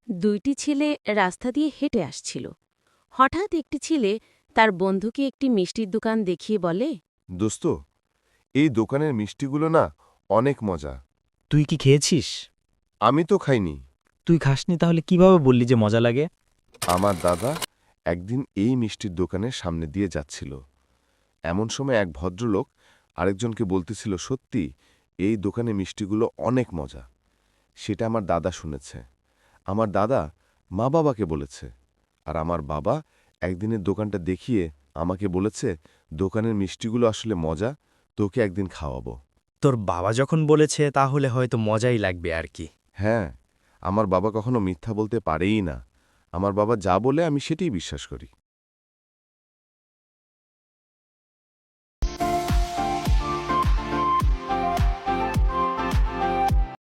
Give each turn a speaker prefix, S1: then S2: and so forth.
S1: দুইটি ছেলে রাস্তা দিয়ে হেঁটে আসছিল। হঠাৎ একটি ছেলে তার বন্ধুকে একটি মিষ্টির দোকান দেখিয়ে বলে,
S2: দোস্ত, এই দোকানের মিষ্টিগুলো না অনেক মজা।
S3: তুই কি খেয়েছিস?
S2: আমি তো খাইনি।
S3: তুই খাসনি তাহলে কিভাবে বললি যে মজা লাগে?
S2: আমার দাদা একদিন এই মিষ্টির দোকানের সামনে দিয়ে যাচ্ছিল। এমন সময় এক ভদ্রলোক আরেকজনকে বলতেছিল, সত্যি এই দোকানে মিষ্টিগুলো অনেক মজা। সেটা আমার দাদা শুনেছে। আমার দাদা মা বাবাকে বলেছে, আর আমার বাবা একদিনের দোকানটা দেখিয়ে আমাকে বলেছে, দোকানের মিষ্টিগুলো আসলে মজা, তোকে একদিন খাওয়াবো।
S3: তোর বাবা যখন বলেছে তাহলে হয়তো মজাই লাগবে আর কি।
S2: হ্যাঁ, আমার বাবা কখনো মিথ্যা বলতে পারেই না। আমার বাবা যা বলে আমি সেটাই বিশ্বাস করি।